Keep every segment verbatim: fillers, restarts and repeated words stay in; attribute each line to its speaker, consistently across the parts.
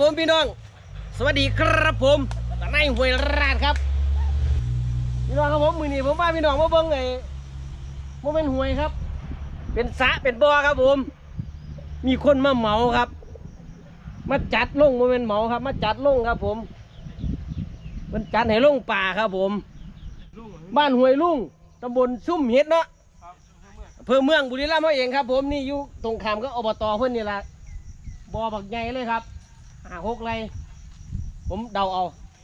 Speaker 1: ผมพี่น้องสวัสดีครับผมตะไนห้วยราชครับพี่น้องครับผมมือนี้ผมว่าพี่น้องมาเบิ้งไอ้โมเมนต์ห้วยครับเป็นสระเป็นบ่อครับผมมีคนมาเหมาครับมาจัดลงโมเมนต์เหมาครับมาจัดลงครับผมมันจัดให้ลงป่าครับผมบ้านห้วยลุงตำบลซุ่มเฮ็ดเนาะอำเภอเมืองบุรีรัมย์เขาเองครับผมนี่อยู่ตรงข้ามก็อบตเพื่อนนี่แหละบ่อบักใหญ่เลยครับห้าหกไรผมเดาเอา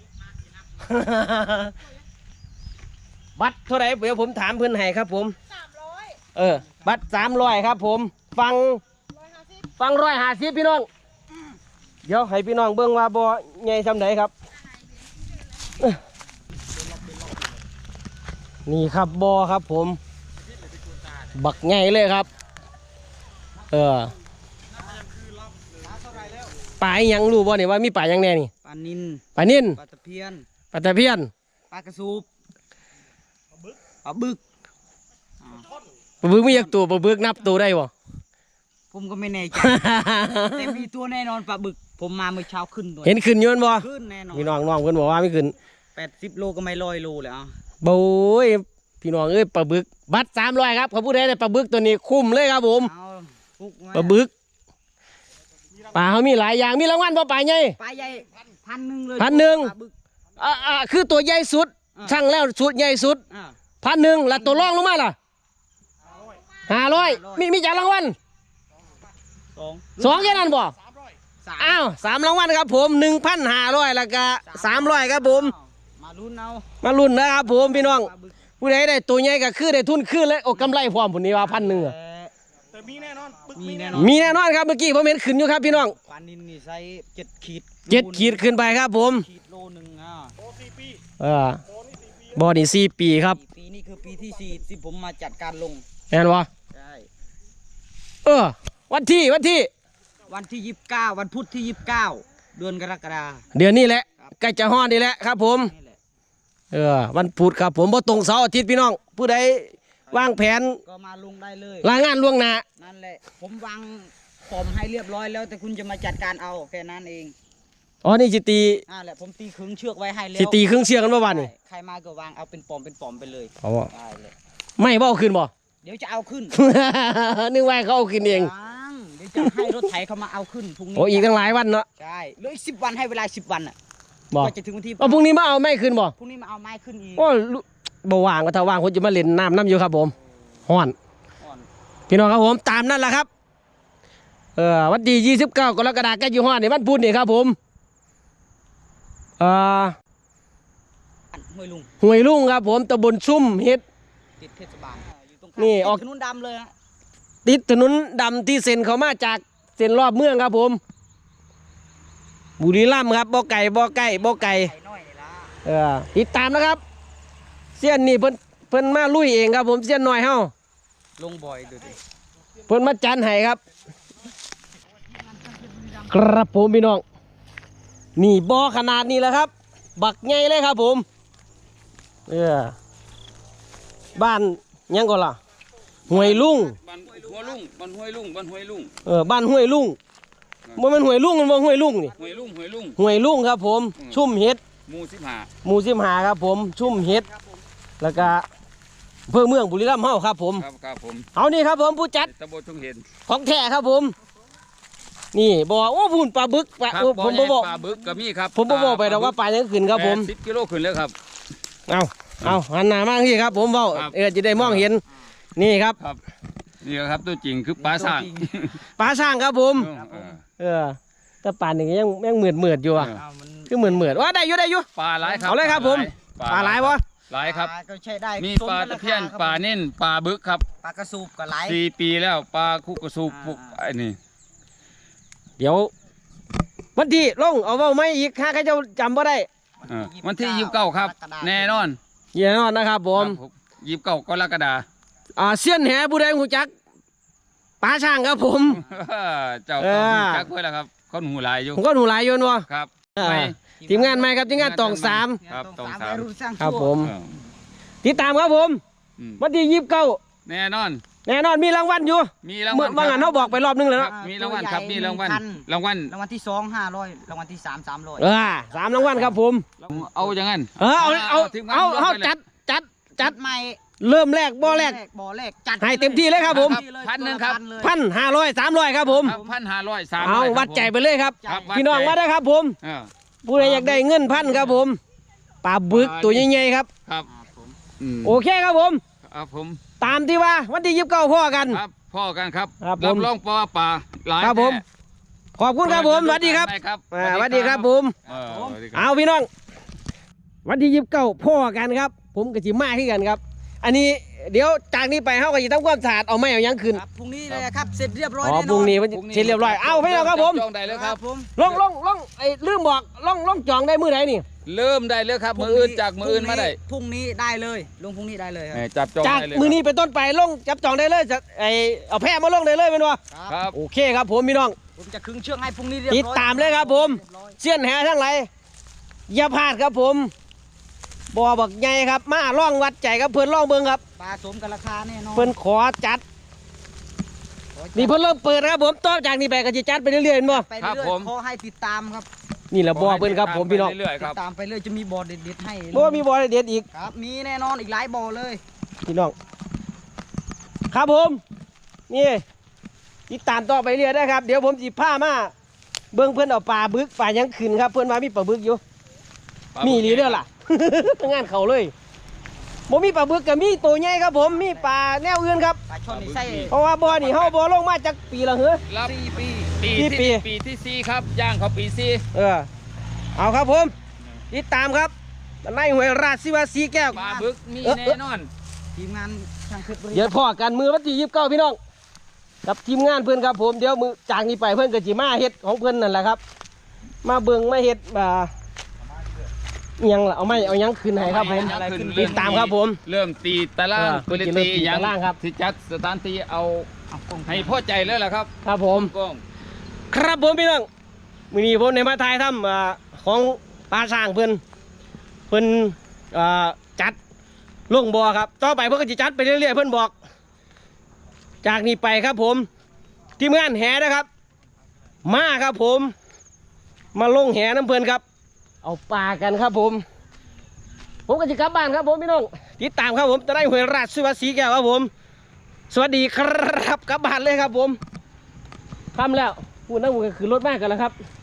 Speaker 1: บัตรเท่าไหร่เดี๋ยวผมถามเพื่อนให้ครับผมสามร้อยเออบัตรสามร้อยครับผมฟังฟังร้อยห้าสิบพี่น้องเดี๋ยวให้พี่น้องเบิ่งว่าบ่อใหญ่ซำไหนครับนี่ครับบ่อครับผมบักใหญ่เลยครับเออปลายังรู้บ่เนี่ยว่ามีปลายังแน่นี่
Speaker 2: ปลานิน
Speaker 1: ปลานิน
Speaker 2: ปลาตะเพียน
Speaker 1: ปลาตะเพียน
Speaker 2: ปลากระสูบปลาบึก
Speaker 1: ปลาบึกไม่อยากตัวปลาบึกนับตัวได้บ่
Speaker 2: ผมก็ไม่แน่ใจ แต่มีตัวแน่นอนปลาบึกผมมาเมื่อเช้าขึ้นตัว
Speaker 1: เห็นขึ้นยนบ่
Speaker 2: ขึ้นแน่นอน
Speaker 1: พี่น้องน้องเพิ่นบอกว่าไม่ขึ้น
Speaker 2: แปดสิบโลก็ไม่ร้อยโลเลยอ่ะ
Speaker 1: โบ้ยพี่น้องเอ้ยปลาบึกบัตรสามร้อยครับเขาพูดได้แต่ปลาบึกตัวนี้คุ้มเลยครับผมปลาบึกปลาเขามีหลายอย่างมีรางวัลบ่ปลาใหญ่
Speaker 2: ปลาใหญ่พันหนึ่งเลย
Speaker 1: พันหนึ่งอ่าอ่าคือตัวใหญ่สุดช่างแล้วสุดใหญ่สุดพันหนึ่งแล้วตัวรองลงมาล่ะห้าร้อยมีมีจากรางวัล
Speaker 2: สอง
Speaker 1: สองแค่นั้นบ่อ้าวสามรางวัลครับผมหนึ่งพันห้าร้อยแล้วก็สามร้อยครับผม
Speaker 2: มาลุ้นเอา
Speaker 1: มาลุ้นนะครับผมพี่น้องผู้ใดได้ตัวใหญ่ก็คือได้ทุนขึ้นเลยโอ้กำไรพร้อมผุนนี้ว่าพันหนึ่ง
Speaker 2: แต่มีแน่นอน
Speaker 1: มีแน่นอนมีแน่นอนครับเมื่อกี้ผมเห็นขึ้นอยู่ครับพี่น้อง
Speaker 2: ปลานินนี่ใช้เจ็ดขีด
Speaker 1: เจ็ดขีดขึ้นไปครับผม
Speaker 2: ขีดโลหนึ่งอ่ะโอ้สี่ปี
Speaker 1: เออบ่อนี่สี่ปีครับ
Speaker 2: ปีนี้คือปีที่สี่ที่ผมมาจัดการลง
Speaker 1: แน่นวะ
Speaker 2: ใช่
Speaker 1: เออวันที่วันที่
Speaker 2: วันที่ยี่สิบเก้าวันพุธที่ยี่สิบเก้าเดือนกรกฎาคม
Speaker 1: เดือนนี้แหละใกล้จะฮอดนี่แหละครับผมเออวันพุธครับผมบ่ตรงเสาร์อาทิตย์พี่น้องผู้ใดวางแผน
Speaker 2: ก็มาลงได้เลย
Speaker 1: รายงานล่วงหน้า
Speaker 2: นั่นแหละผมวางฟอร์มให้เรียบร้อยแล้วแต่คุณจะมาจัดการเอาแค่นั้นเอง
Speaker 1: อ๋อนี่จิตี
Speaker 2: นั่นแหละผมตีขึงเชือกไว้ให้แล้ว
Speaker 1: จิตีขึงเชือกกันเมื่อวานนี่
Speaker 2: ใครมาก็วางเอาเป็นปอมเป็นปอมไปเลย
Speaker 1: เอาได้เลยไม่บ่เอาขึ้นบ่
Speaker 2: เดี๋ยวจะเอาขึ้น
Speaker 1: นึกว่าเขาเอาขึ้นเอง
Speaker 2: เดี๋ยวจะให้รถไถเขามาเอาขึ้นพรุ่งนี้
Speaker 1: โอ้อีกตั้งหลายวันเนาะ
Speaker 2: ใช่เหลืออีกสิบวันให้เวลาสิบวันอ่ะ
Speaker 1: บอก
Speaker 2: จะถึงวันที่
Speaker 1: พรุ่งนี้มาเอาไม้ขึ้นบ่
Speaker 2: พรุ่งนี้มาเอาไม้ขึ้นอีก
Speaker 1: โอ้บ่ว่างก็ถ้าว่างผมจะมาเล่นน้ำน้ำอยู่ครับผมฮ้อนพี่น้องครับผมตามนั่นแหละครับเออวันที่ยี่สิบเก้ากรกฎาคมใกล้อยู่ฮ้อนนี่วันพุธนี่ครับผมเอ่อ
Speaker 2: ห้วยลุง
Speaker 1: ห้วยลุงครับผมตำบลซุ่มเฮ็ด
Speaker 2: ติดเทศบาลอยู่ตรง
Speaker 1: นี่ออก
Speaker 2: ถนนดำเลยฮะ
Speaker 1: ติดถนนดำที่เซ็นเขามาจากเซ็นรอบเมืองครับผมบุรีรัมย์ครับบ่อไก่บ่อไก่บ่อไก่เออติดตามนะครับเสี้ยนนี่เพิ่นเพิ่นมาลุยเองครับผมเสี้ยนน้อยเฮา
Speaker 2: ลงบ่อยดูดิ
Speaker 1: เพิ่นมาจันให้ครับครับผมพี่น้องนี่บ่อขนาดนี้แหละครับบักใหญ่เลยครับผมเออบ้านยังก่อนล่ะห้วยลุง
Speaker 3: บ้านห้วยลุงบ้านห้วยลุงบ้านห้วยลุง
Speaker 1: เออบ้านห้วยลุงมันเป็นห้วยลุงมันเป็นห้วยลุงนี่
Speaker 3: ห้วยลุงห้วยลุง
Speaker 1: ห้วยลุงครับผมชุ่มเฮ็ด
Speaker 3: หมู่สิบห้า
Speaker 1: หมู่สิบห้าครับผมชุ่มเฮ็ดแล้วก็อำเภอเมืองบุรีรัมย์เฮาครับผม
Speaker 3: ครับครับผม
Speaker 1: เอานี่ครับผมผู้จัด
Speaker 3: ตำบลทุ่งเห็น
Speaker 1: ของแท้ครับผมนี่บอกโอ้พูนปลาบึกปลาผมบ่บอก
Speaker 3: ปลาบึกก็มีครับ
Speaker 1: ผมบ่บอกไปแต่ว่าปลายังขึ้นครับผม
Speaker 3: สิบกิโลขึ้นแล้วครับ
Speaker 1: เอาเอาหันหน้ามากที่ครับผมเว้าเออจะได้มองเห็นนี่ครับ
Speaker 3: นี่ครับตัวจริงคือปลาช่าง
Speaker 1: ปลาช่างครับผมเออแต่ปลาหนึ่งยังยังเหมือดเหมือดอยู่อ่ะคือเหมือนเหมือดว่าได้อยู่ได้อยู่
Speaker 3: ปลาหลายครับ
Speaker 1: เอาเลยครับผมปลาหลายวะ
Speaker 3: หลายครับ
Speaker 2: ก็ใช้ได้
Speaker 3: มีปลาตะเพียนปลาเน้นปลาบึกครับ
Speaker 2: ปลากระสูบก็หลาย
Speaker 3: สี่ปีแล้วปลาคุกกระสูบพวกไอ้นี่
Speaker 1: เดี๋ยววันที่ลงเอาเว้าไม่อีกข้าใครจะจำบ่ได้
Speaker 3: วันที่ยี่สิบเก้าครับแน่นอน
Speaker 1: แน่นอนนะครับผม
Speaker 3: ยี่สิบเก้ากรกฎาคม
Speaker 1: อ่าเสี้ยนแหผู้ใดหูจักปลาช่างครับผม
Speaker 3: เจ้าต้องหูจักเพื่อแล้วครับเขาหูลายอยู่
Speaker 1: ผมก็หูลายอยู่วะ
Speaker 3: ครับ
Speaker 1: ทีมงานใหม่ครับทีมงานตองสาม
Speaker 3: ครับตองสาม
Speaker 1: ครับผมติดตามครับผมวันที่ยี่สิบเก้า
Speaker 3: แน่นอน
Speaker 1: แน่นอนมีรางวัลอยู่
Speaker 3: มีรางวัล
Speaker 1: เมื่อวานเขาบอกไปรอบนึงแล้ว
Speaker 3: ครั
Speaker 1: เนาะ
Speaker 3: บมีรางวัลครับมีรางวัล
Speaker 2: พัน
Speaker 3: รางวัล
Speaker 2: รางวัลที่สองห้าร้อยรางวัลที่สามสามร้อย
Speaker 1: เออสามรางวัลครับผม
Speaker 3: เอาอย่างนั้น
Speaker 1: เออเอาเอา
Speaker 3: ทีมงน
Speaker 1: เอา
Speaker 3: รวม
Speaker 1: เอา
Speaker 3: ไปลย
Speaker 1: จัดจัดจัด
Speaker 2: ใหม่
Speaker 1: เริ่มแรกบ่อแรก
Speaker 2: บ่อแรกจัด
Speaker 1: ให้เต็มที่เลยครับผม
Speaker 3: พันหนึ่งครับ
Speaker 1: พันห้าร้อยสามร้อยครับผม
Speaker 3: พันห้าร้อยสาม
Speaker 1: เอาวัดใจไปเลยครับ
Speaker 3: ครับ
Speaker 1: พี่น้องมาได้ครับผม
Speaker 3: เออ
Speaker 1: ผู้ใดอยากได้เงินพันครับผมปลาบึกตัวใหญ่ๆครับ
Speaker 3: ครับอืม
Speaker 1: โอเคครับผม
Speaker 3: ครับผม
Speaker 1: ตามที่ว่าวันที่ยี่สิบเก้าพ่อกัน
Speaker 3: ครับพ่อกันครับ
Speaker 1: ครับผม
Speaker 3: รับรองปอป่าหลาย
Speaker 1: ครับผม
Speaker 3: แน่
Speaker 1: ขอบคุณครับผมสวัสดีครับ
Speaker 3: ได้ครับ
Speaker 1: อ่าสวัสดีครับผม
Speaker 3: เออสวัสดีครับ
Speaker 1: เอาพี่น้อง วันที่ยี่สิบเก้าพ่อกันครับ ผมกับจิมาที่กันครับ อันนี้เดี๋ยวจากนี้ไปเขาก็จะทำความสะอาดเอาไม่เอายังขึ้น
Speaker 2: ครับพรุ่งนี้เลยครับ เสร็จเรียบร้อย
Speaker 1: อ๋อ
Speaker 2: แน่นอน
Speaker 1: พรุ่งนี้มันเสร็จเรียบร้อยเอาพี่น้องครับผม
Speaker 3: จองได้เลยครับ
Speaker 2: ผม
Speaker 1: ลงลงลงไอ้ลืมบอกลงลงจองได้มื้อไหนนี่
Speaker 3: เริ่มได้เลยครับมืออื่นจากมืออื่นมาได้
Speaker 2: พรุ่งนี้ได้เลยลงพรุ่งนี้ได้เลยครับ
Speaker 3: แหม่จับจอง
Speaker 1: จาก
Speaker 3: ได้เลย
Speaker 1: มือนี้เป็นต้นไปลงจับจองได้เลยจะไอเอาแพร่มาลงได้เลยเป็นวะ
Speaker 3: ครับ
Speaker 1: โอเคครับผมพี่น้อง
Speaker 2: ผมจะครึ่งเชือกให้พรุ่งนี้เรียบร้อย
Speaker 1: ติดตามเลยครับผม
Speaker 2: เรียบร้อย
Speaker 1: เสี้ยนแหทั้งหลายอย่าพลาดครับผมบ่อบักใหญ่ครับ มาล่องวัดใจครับเพื่อนล่องเบิ่งครับ
Speaker 2: ปลาสมกับราคาแน่นอน
Speaker 1: เพื่อนขอจัด
Speaker 2: ขอจัด
Speaker 1: นี่เพื่อนเริ่มเปิดครับผมต่อจากนี้ไปก็จะจัดไปเรื่อยๆเห็นบ่
Speaker 2: ไปเรื่อยๆขอให้ติดตามครับ
Speaker 1: นี่แหละบ่อเพื่อนครับผมพี่น้อง
Speaker 3: เรื่อยๆค
Speaker 2: ติ
Speaker 3: รับ
Speaker 2: ดตามไปเรื่อยจะมีบ่อเด็ดๆให้
Speaker 1: บ่มีบ่อเด็ดอีก
Speaker 2: ครับมีแน่นอนอีกหลายบ่อเลย
Speaker 1: พี่น้องครับผมนี่ติดตามต่อไปเรื่อยได้ครับเดี๋ยวผมสิพามาเบิ่งเพื่อนเอาปลาบึกปลายังขึ้นครับเพื่อนว่ามีปลาบึกอยู่ มีอีหลีเด้อล่ะ งานเขาเลยบ่มีปลาบึกกับมีตัวใหญ่ครับผมมีปลาแนวอื่นครับ
Speaker 2: ปลาช่อนนี่ไส้
Speaker 1: เพราะว่าบ่อนี่เฮาบ่ลงมาจากปีละเหรอ
Speaker 3: รับ
Speaker 2: สี่ปี
Speaker 3: ปี
Speaker 1: กี่ปี
Speaker 3: ที่ปีที่สี่ครับย่างเขาปีสี่
Speaker 1: เออเอาครับผมติดตามครับในห้วยราชสิวาสีแก้ว
Speaker 3: ปลาบึกมี
Speaker 1: เออ
Speaker 3: แน่นอน
Speaker 2: ทีมงานช่างเพชรบุรี
Speaker 1: เดี๋ยวพ่อกันมือวันที่ยี่สิบเก้าพี่น้องกับทีมงานเพื่อนครับผมเดี๋ยวมือจากนี้ไปเพื่อนก็จิมาเฮ็ดของเพื่อนนั่นแหละครับ มาเบิ่งมาเฮ็ดอ่าอิหยังล่ะเอาไม่เอาหยังขึ้นให้ครับผม
Speaker 3: อะไรขึ้น
Speaker 1: ติดตามครับผม
Speaker 3: เริ่มตีตาราง
Speaker 1: เออ
Speaker 3: ปืน
Speaker 1: เริ่ม
Speaker 3: ตี
Speaker 1: ตี
Speaker 3: ยัง
Speaker 1: ตารางครับ
Speaker 3: ที่จัดสถานที่เอา
Speaker 2: เอากล้อง
Speaker 3: ให้พอใจเลยล่ะครับ
Speaker 1: ครับผม
Speaker 3: กล้อง
Speaker 1: ครับผมพี่น้องมื้อนี้ผมในมาถ่ายทำอ่าของปลาสร้างเพิ่นเพิ่นอ่าจัดลงบ่อครับ ต่อไปเพิ่นก็จะจัดไปเรื่อยๆเพิ่นบอก จากนี้ไปครับผมทีมงานแหนะครับ มาครับผม มาลงแหน้ำเพิ่นครับ เอาปลากันครับผม ผมก็จะกลับบ้านครับผมพี่น้องติดตามครับผมจะได้หวยราชสิวาสีแก้วครับผม สวัสดีครับกลับบ้านเลยครับผมทำแล้วพูดนั่งพูดก็คือรถมากกันแล้วครับ